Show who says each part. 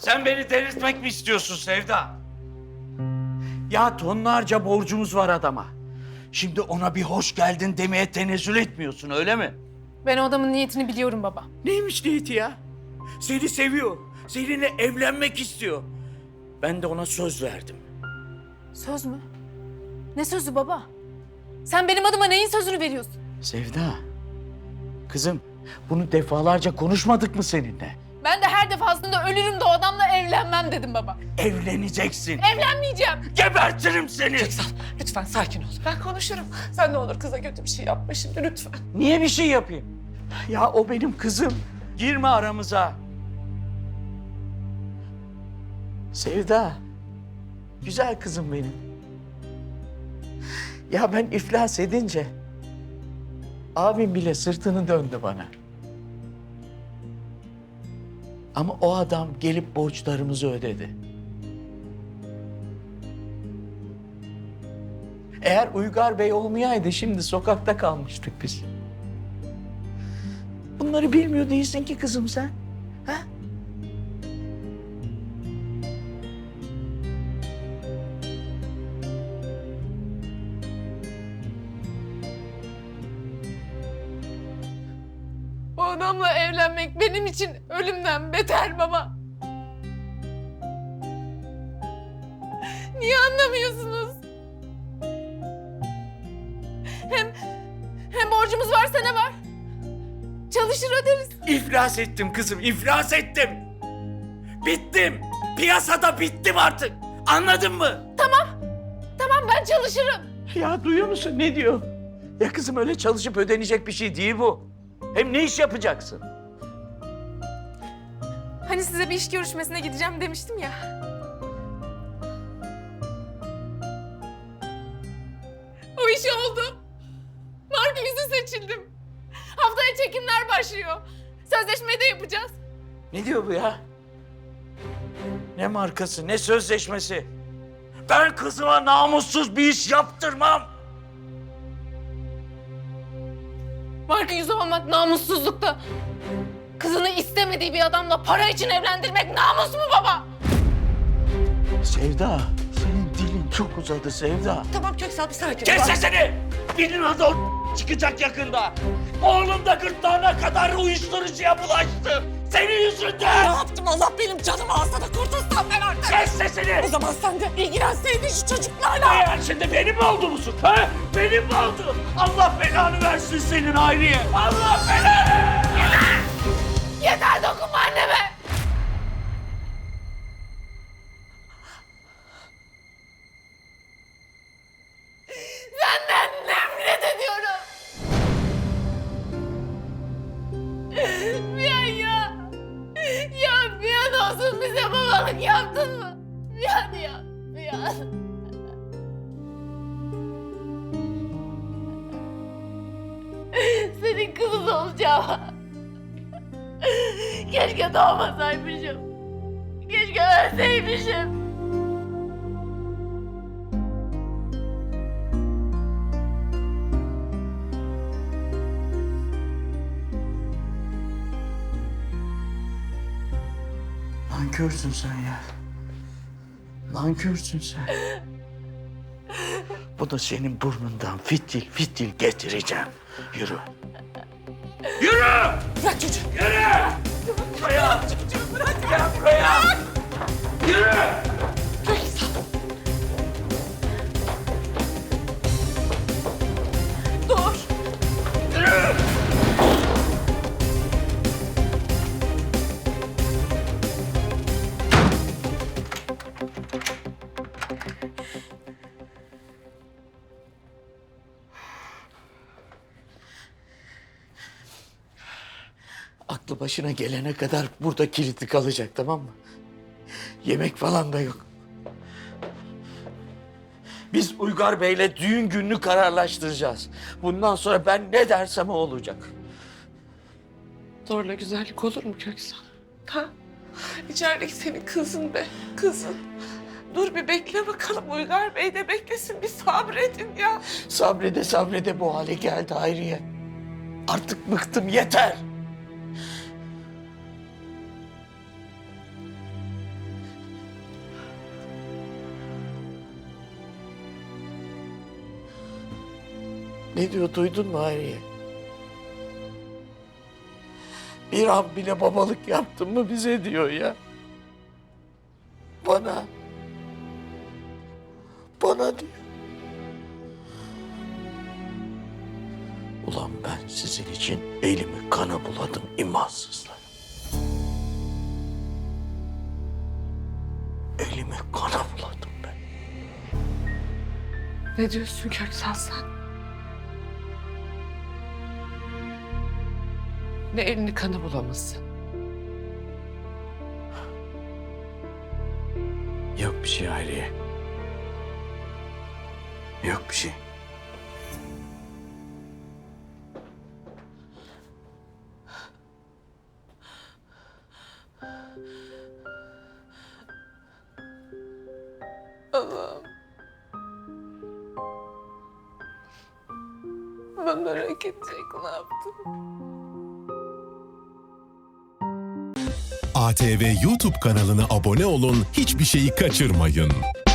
Speaker 1: Sen beni delirtmek mi istiyorsun Sevda? Ya tonlarca borcumuz var adama. Şimdi ona bir hoş geldin demeye tenezzül etmiyorsun, öyle mi?
Speaker 2: Ben o adamın niyetini biliyorum baba.
Speaker 1: Neymiş niyeti ya? Seni seviyor. Seninle evlenmek istiyor. Ben de ona söz verdim.
Speaker 2: Söz mü? Ne sözü baba? Sen benim adıma neyin sözünü veriyorsun?
Speaker 1: Sevda, kızım bunu defalarca konuşmadık mı seninle?
Speaker 2: Ben de her defasında ölürüm de o adamla evlenmem dedim baba.
Speaker 1: Evleneceksin.
Speaker 2: Evlenmeyeceğim.
Speaker 1: Gebertirim seni.
Speaker 3: Lütfen sakin ol. Ben konuşurum. Sen ne olur kıza kötü bir şey yapma şimdi lütfen.
Speaker 1: Niye bir şey yapayım? Ya o benim kızım. Girme aramıza. Sevda, güzel kızım benim. Ya ben iflas edince abim bile sırtını döndü bana. Ama o adam gelip borçlarımızı ödedi. Eğer Uygar Bey olmayaydı şimdi sokakta kalmıştık biz. Bunları bilmiyor değilsin ki kızım sen. Ha?
Speaker 2: O adamla evlenmek benim için ölümden beter baba. Niye anlamıyorsunuz? Hem borcumuz varsa ne var? Çalışır öderiz.
Speaker 1: İflas ettim kızım, iflas ettim. Bittim. Piyasada bittim artık. Anladın mı?
Speaker 2: Tamam ben çalışırım.
Speaker 1: Ya duyuyor musun ne diyor? Ya kızım öyle çalışıp ödenecek bir şey değil bu. Hem ne iş yapacaksın?
Speaker 2: Hani size bir iş görüşmesine gideceğim demiştim ya. O iş oldu. Marka yüzü seçildim. Haftaya çekimler başlıyor. Sözleşmeyi de yapacağız.
Speaker 1: Ne diyor bu ya? Ne markası, ne sözleşmesi? Ben kızıma namussuz bir iş yaptırmam.
Speaker 2: Marka yüzü olmak namussuzlukta. Kızını istemediği bir adamla para için evlendirmek namus mu baba?
Speaker 1: Sevda, senin dilin çok uzadı Sevda.
Speaker 3: Tamam Köksal bir sakin ol.
Speaker 1: Kes sesini! Benim adı o çıkacak yakında. Oğlum da gırtlağına kadar uyuşturucuya bulaştı. Senin
Speaker 3: Ne
Speaker 1: yüzünden!
Speaker 3: yaptım Allah benim canımı alsa da kurtulsam ben artık.
Speaker 1: Kes sesini!
Speaker 3: O zaman sen de ilgilenseydin şu çocuklarla.
Speaker 1: Eğer şimdi benim mi oldu musun? Ha? Benim mi oldu? Allah belanı versin senin Hayriye. Allah belanı!
Speaker 2: Yeter dokunma anneme! Senden nefret ediyorum! Bir an ya! Ya bir an olsun bize babalık yaptın mı? Bir an ya, bir an. Senin kızın olacağım. Keşke doğmasaymışım. Keşke ölseymişim.
Speaker 1: Nankörsün sen ya. Nankörsün sen. Bu da senin burnundan fitil fitil getireceğim. Yürü. Yürü!
Speaker 3: Bırak çocuğu.
Speaker 1: Yürü! Buraya! Gel buraya! Yürü!
Speaker 3: Köksal. Dur.
Speaker 1: Yürü! Aklı başına gelene kadar burada kilitli kalacak, tamam mı? Yemek falan da yok. Biz Uygar Bey'le düğün gününü kararlaştıracağız. Bundan sonra ben ne dersem o olacak.
Speaker 3: Zorla güzellik olur mu Köksal? Ha? İçerideki senin kızın be, kızın. Dur bir bekle bakalım Uygar Bey de beklesin bir sabredin ya.
Speaker 1: Sabrede sabrede bu hale geldi Hayriye. Artık bıktım, yeter.
Speaker 4: Ne diyor duydun mu Hayriye? Bir an bile babalık yaptın mı bize diyor ya. Bana. Bana diyor. Ulan ben sizin için elimi kana buladım imansızlar. Elimi kana buladım ben.
Speaker 3: Ne diyorsun Köksal sen? Ne elini kanı bulamasın?
Speaker 4: Yok bir şey Hayriye. Yok bir şey.
Speaker 3: Allah'ım. Ben merak edecek ne yaptım?
Speaker 5: ATV YouTube kanalına abone olun, hiçbir şeyi kaçırmayın.